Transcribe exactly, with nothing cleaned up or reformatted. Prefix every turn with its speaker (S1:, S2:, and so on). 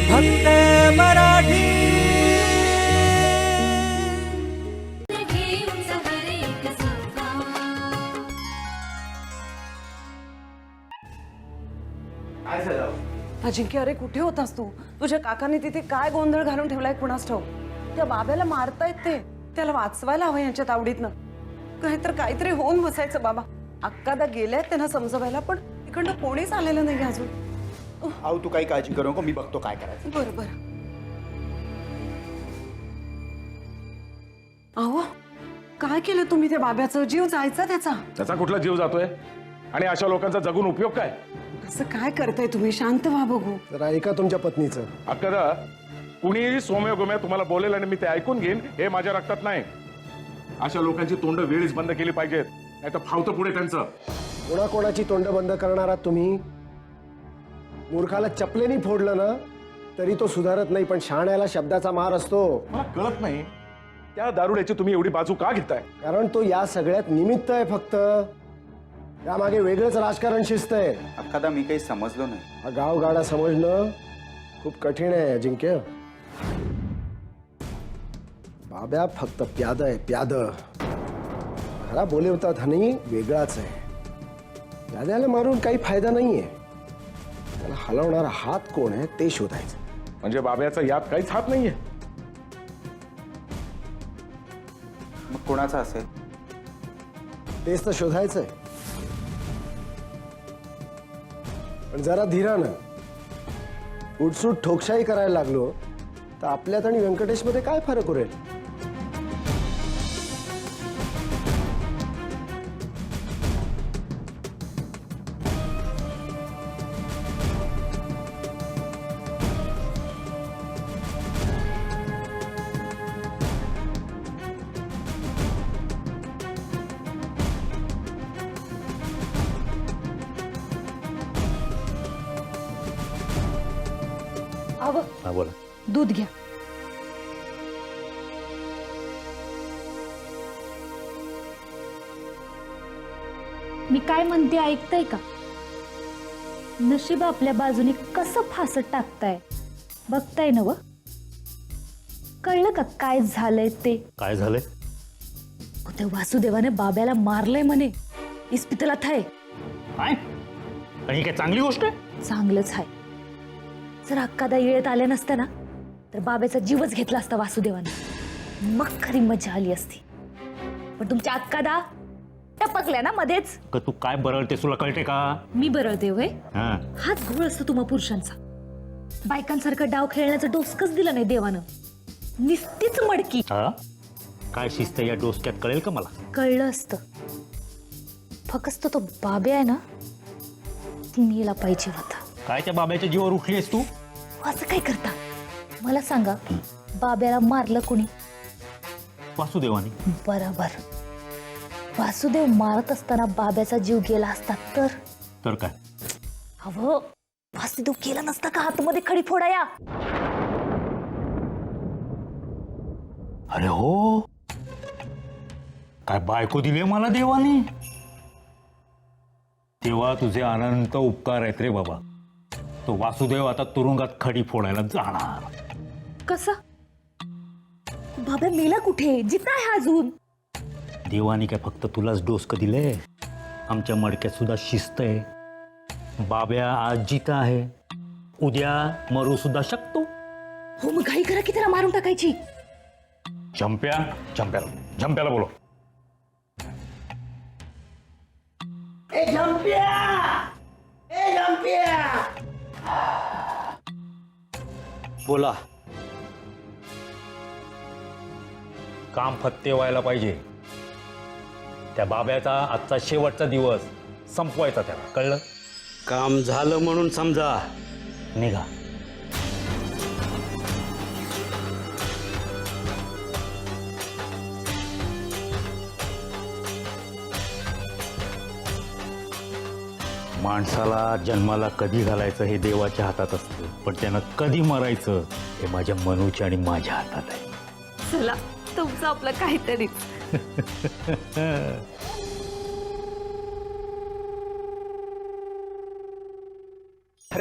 S1: फक्त मराठी।
S2: अजिंक्य, अरे कुठे होतास तू? तुझ्या काकाने तिथे काय गोंधळ घालून ठेवलाय कुणास ठाऊक? त्या बाब्याला मारतायत ते, त्याला वाचवायला हवं यांच्या तावडीतनं. काहीतर काहीतरी होऊन बसायचं बाबा. अक्कादा गेल्यात त्यांना समजवायला, पण इकडनं कोणीच आलेलं नाही अजून.
S3: आऊ तू काही काळजी करू नको, मी बघतो काय करायचं.
S2: बरं बरं. अहो, काय केलं तुम्ही त्या बाब्याचं? जीव जायचा त्याचा.
S4: त्याचा कुठला जीव जातोय आणि अशा लोकांचा जगून उपयोग काय?
S2: असं काय करताय तुम्ही? शांत व्हा बघू.
S5: जरा ऐका तुमच्या पत्नीचं.
S4: अक्कादा, कुणीही सोम्य गोम्या तुम्हाला बोलेल आणि मी ते ऐकून घेईन हे माझ्या रक्तात नाही. अशा लोकांची तोंड वेळीच बंद केली पाहिजेत, नाही तर फावतं पुढे त्यांचं.
S5: कोणाकोणाची तोंड बंद करणार आहात तुम्ही? मूर्खाला चपलेनी फोडलं ना तरी तो सुधारत नाही, पण शहाण्याला शब्दाचा मार असतो.
S4: मला कळत नाही त्या दारुड्याची तुम्ही एवढी बाजू का घेताय?
S5: कारण तो या सगळ्यात निमित्त आहे फक्त. त्यामागे वेगळंच राजकारण शिस्त आहे.
S3: अक्कादा मी काही समजलो नाही.
S5: हा गावगाडा समजणं खूप कठीण आहे अजिंक्य. बाब्या फक्त प्याद आहे, प्याद. खरा बोलवता धनी वेगळाच आहे. प्याद्याला मारून काही फायदा नाहीये. त्याला हलवणारा हात कोण आहे ते शोधायचं.
S4: म्हणजे बाब्याचा यात काहीच हात नाहीये.
S3: मग कोणाचा असेल?
S5: तेच तर शोधायचंय. पण जरा धीरानं. उठसूट ठोकशाही करायला लागलो तर आपल्यात आणि व्यंकटेशमध्ये काय फरक उरेल?
S6: हा बोला.
S7: दूध घ्या. मी काय म्हणते ऐकताय का? नशीब आपल्या बाजूने कसं फासत टाकताय बघताय ना? व कळलं का काय झालंय ते?
S6: काय झालंय?
S7: त्या वासुदेवाने बाब्याला मारलंय म्हणे. इस्पितलात आहे.
S6: काय? आणि ही काय चांगली गोष्ट आहे?
S7: चांगलंच आहे. जर अक्कादा येळेत आल्या नसत्या ना तर बाब्याचा जीवच घेतला असता वासुदेवाने. मग खरी मजा आली असती. पण तुमच्या अक्कादा टपकल्या ना मध्येच.
S6: का तू काय बरळते तुला कळते का?
S7: मी बरळते होय?
S6: हा.
S7: हाच घोळ असतो तुम्हा पुरुषांचा. बायकांसारखं डाव खेळण्याचं डोसकच दिलं नाही देवानं. निस्तीच मडकी.
S6: हा? काय शिस्त या डोसक्यात कळेल का मला?
S7: कळलं असतं. फक्त तो बाब्या आहे ना ती मेला पाहिजे होता.
S6: काय त्या बाब्याच्या जीवावर उठलीस तू?
S7: असं काय करता मला सांगा. बाब्याला मारलं कोणी?
S6: वासुदेवाने.
S7: बरोबर. वासुदेव मारत असताना बाब्याचा जीव गेला असता तर?
S6: तर काय?
S7: अहो, वासुदेव गेला नसता का हातमध्ये खडी फोडाया?
S6: अरे हो, काय बायको दिली मला देवाने. तेव्हा तुझे अनंत उपकार आहेत रे बाबा. तो वासुदेव आता तुरुंगात खडी फोडायला जाणार.
S7: कसा? बाब्या मेला कुठे? जिता आहे अजून.
S6: देवाने काय फक्त तुलाच डोसकं दिले? आमच्या मडक्यात सुद्धा शिस्त आहे. बाब्या आज जिता आहे, उद्या मरू सुद्धा शकतो.
S7: हो, मग घाई करा की त्याला मारून टाकायची.
S6: झंप्या झंप्याला झंप्याला बोलो.
S8: ए झंप्या, ए झंप्या.
S6: बोला. काम फत्ते व्हायला पाहिजे. त्या बाब्याचा आजचा शेवटचा दिवस संपवायचा त्याला, कळलं?
S8: काम झालं म्हणून समजा.
S6: निघा. माणसाला जन्माला कधी घालायचं हे देवाच्या हातात असतं, पण त्यानं कधी मरायचं हे माझ्या मनूच्या आणि माझ्या हातात आहे.
S7: चला, तुमचं आपलं काहीतरी.